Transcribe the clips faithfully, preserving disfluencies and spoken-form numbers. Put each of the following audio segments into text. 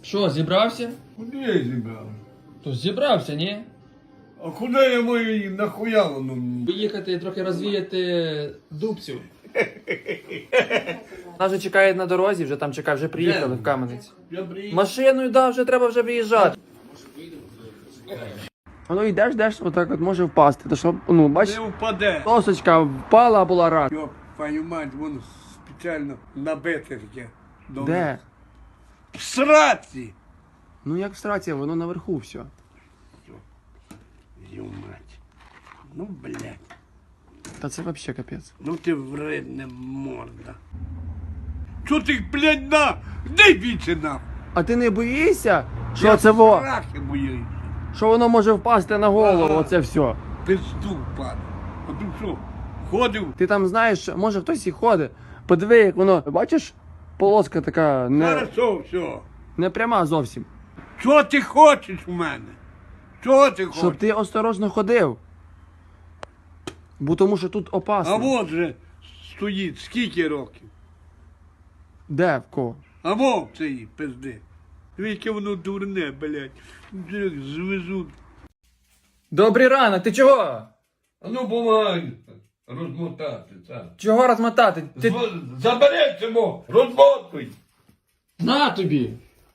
Що, зібрався? Куди я зібрав? То зібрався, ні? А куди я маю її нахуя воно? Поїхати трохи розвіяти дубців. Нас вже чекає на дорозі, вже там чекає, вже приїхали в Кам'янець. Я приїхав. Машиною, да, вже треба вже виїжджати. Воно йдеш, йдеш, отак от може впасти. То що, ну, бачиш, Не впаде. досочка впала, а була рак. Йоп, твою мать, воно спеціально набите таке. Добре. Де? В сраці! Ну як в страці, воно наверху все. Ю мать. Ну, блядь. Та це взагалі капець. Ну ти вредна морда. Чо ти, блядь, на? Де віці на? А ти не боїшся, що Я це во? страхи боюся. Що воно може впасти на голову, Ага. оце все. Пизду падає. А ти що, ходив? Ти там знаєш, може хтось і ходить. Подиви, як воно, бачиш, полоска така не, Хорошо, все. не пряма зовсім. Що ти хочеш у мене? Що ти хочеш? Щоб ти осторожно ходив. Бо тому що тут опасно. А от же стоїть скільки років? Де, в кого? А вов цей пизди. Яке воно дурне, блядь. Як звезуть. Добрий ранок, ти чого? А ну помагай розмотати, так. Чого розмотати? Ти... Забери цього, розмотуй. На тобі!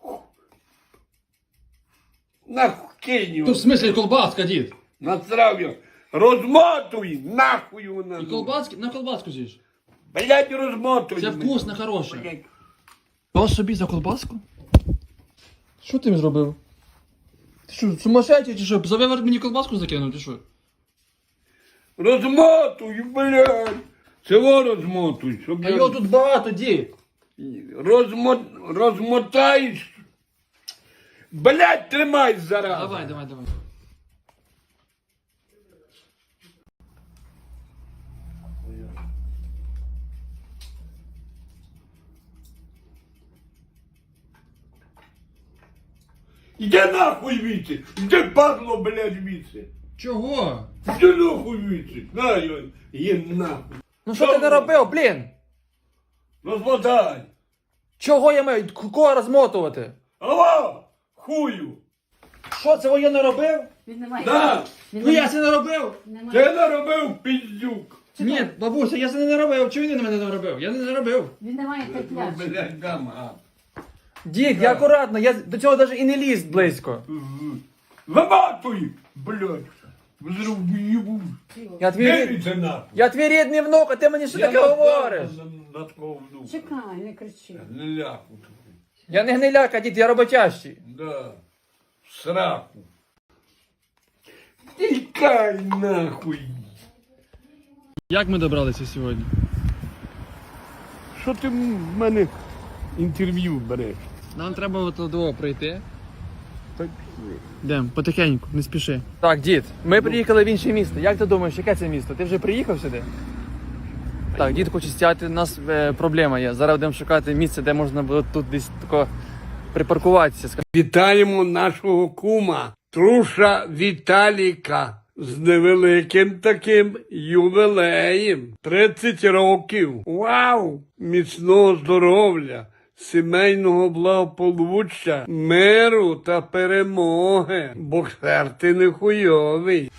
Нахуй кинь його. Тут в смислі колбаска, дід. Насрав його. Розмотуй, нахуй вона. І колбаски, на колбаску з'їж. Блядь, розмотуй. Це мене. вкусно, хороше. Блядь. Що собі за колбаску? Що ти зробив? Ти що, сумасшедший чи що? За виворот мені колбаску закинув, ти що? Розмотуй, блядь. Цього розмотуй, щоб А його тут багато, дід. Розмо... розмотаєш. Блядь, тримай зараз. Давай, давай, давай. Іди нахуй віці. Іди падло, блядь, віці. Чого? Іди нахуй віці. На його, є нахуй. Ну що ти не робив, блін? Розмотай. Чого я маю? Кого розмотувати? Ава, хую. Що це я не робив? Він не має. Да, Він Ну не я має. це не робив. Не має. ти наробив піздюк. Ні, бабуся, я це не робив. Чого він на мене не робив? Я не робив. Він не має Ну, терпляшки. блядь, дам, а. Дід, я акуратно, я до цього навіть і не ліз близько. Заматуй, блядь. Зробив. Я твій, рід... Дивіться нахуй. я твій рідний внук, а ти мені що таке говориш? На, на такого внука. Чекай, не кричи. Не ляку тобі. Я не гниляка, дід, я роботящий. Да. В сраку. Тікай нахуй. Як ми добралися сьогодні? Що ти в мене інтерв'ю береш? Нам треба от до пройти. Так, Йдемо, потихеньку, не спіши. Так, дід, ми приїхали в інше місто. Як ти думаєш, яке це місто? Ти вже приїхав сюди? Так, дід хоче стяти, у нас е, проблема є. Зараз будемо шукати місце, де можна було тут десь тако припаркуватися. вітаємо нашого кума, труша Віталіка. З невеликим таким ювілеєм. тридцять років. Вау! Міцного здоров'я, сімейного благополуччя, миру та перемоги. Боксер ти не хуйовий.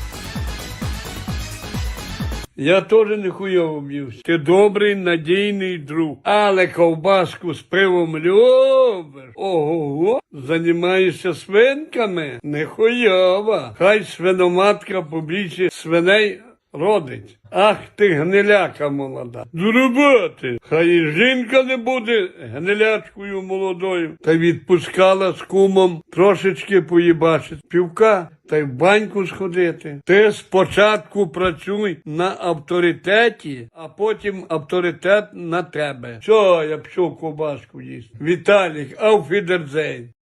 Я теж не хуйово б'юсь. Ти добрий, надійний друг. Але ковбаску з пивом любиш. Ого-го. Занімаєшся свинками? Не хуйова. Хай свиноматка побільше свиней родить. Ах ти гниляка молода. До роботи. Хай і жінка не буде гнилячкою молодою. Та відпускала з кумом трошечки поїбачити півка та й в баньку сходити. Ти спочатку працюй на авторитеті, а потім авторитет на тебе. Що, я пішов ковбаску їсти. Віталік, ауфідерзейн.